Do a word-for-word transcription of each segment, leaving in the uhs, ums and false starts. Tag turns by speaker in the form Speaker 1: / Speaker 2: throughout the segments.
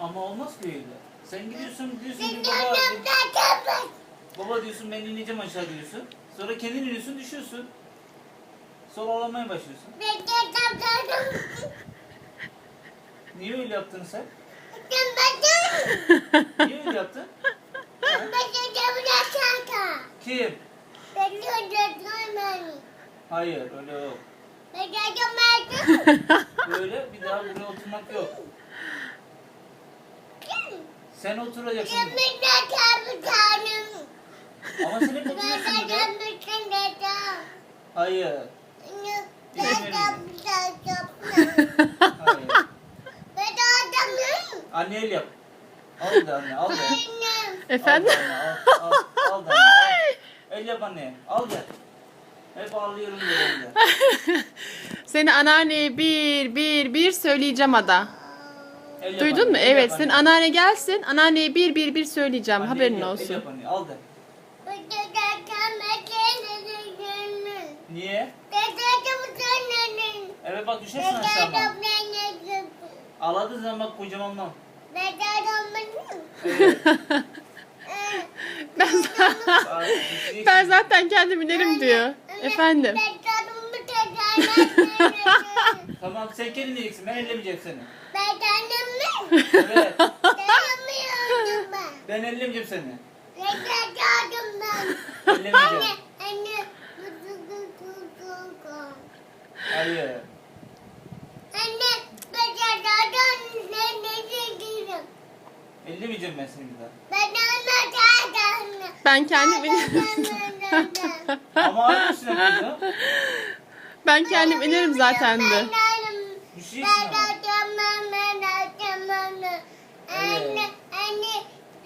Speaker 1: Ama olmaz ki öyle. Sen gidiyorsun diyorsun ki baba, baba diyorsun ben ineceğim aşağı diyorsun. Sonra kendin iniyorsun düşüyorsun. Sonra ağlamaya başlıyorsun. Niye öyle yaptın sen? Niye öyle yaptın? Ha? Kim? Hayır öyle yok. Böyle bir daha buraya oturmak yok. Sen oturacaksın. Ama sen hep oturuyorsun burada. Hayır. Hayır. Anne el yap. Al da anne al da.
Speaker 2: Efendim?
Speaker 1: Al da anne al. Al, al da anne al. El yap anne. Al da. Hep ağlıyorum böyle.
Speaker 2: Seni anneanneye bir bir bir söyleyeceğim Ada.
Speaker 1: El yap
Speaker 2: Duydun
Speaker 1: anne,
Speaker 2: mu?
Speaker 1: el yap
Speaker 2: Evet.
Speaker 1: anne.
Speaker 2: Senin anneanne gelsin. Anneanneye bir bir bir söyleyeceğim.
Speaker 1: Anne, el
Speaker 2: Haberin
Speaker 1: yap, El
Speaker 2: olsun.
Speaker 1: yap anne al da. Niye? Evet bak düşersin aşağıdan. Ağladığın zaman bak kocaman mam. Evet.
Speaker 2: Ben,
Speaker 1: Aa, düşeceksin.
Speaker 2: ben zaten kendim inerim diyor. Efendim.
Speaker 1: Tamam sen kendin yiyeceksin. Ben ellemeyeceğim seni.
Speaker 3: Ben kendim
Speaker 1: Evet.
Speaker 3: dayanamıyorum ben.
Speaker 1: Ben ellemeyeceğim seni.
Speaker 3: Ben dayanamıyorum ben.
Speaker 1: Ellemeyeceğim.
Speaker 3: Anne.
Speaker 1: Hayır.
Speaker 3: Anne. Ben dayanamıyorum. Ben ne değilim.
Speaker 1: Ellemeyeceğim ben seni bir daha.
Speaker 3: Ben dayanamıyorum.
Speaker 2: Ben kendim inerim.
Speaker 1: Ama aynısını yapacağım.
Speaker 2: Ben kendim inerim zaten de.
Speaker 3: Ben
Speaker 1: Düşeceksin ama.
Speaker 3: dayanamıyorum. Ben dayanamıyorum. Anne. Anne.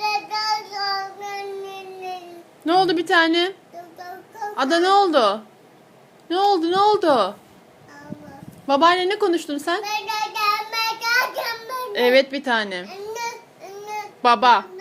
Speaker 2: Ne oldu bir tane? Ada ne oldu? Ne oldu ne oldu? Babaanne ne konuştun sen? Evet bir tane.
Speaker 3: Anne, anne,
Speaker 2: Baba.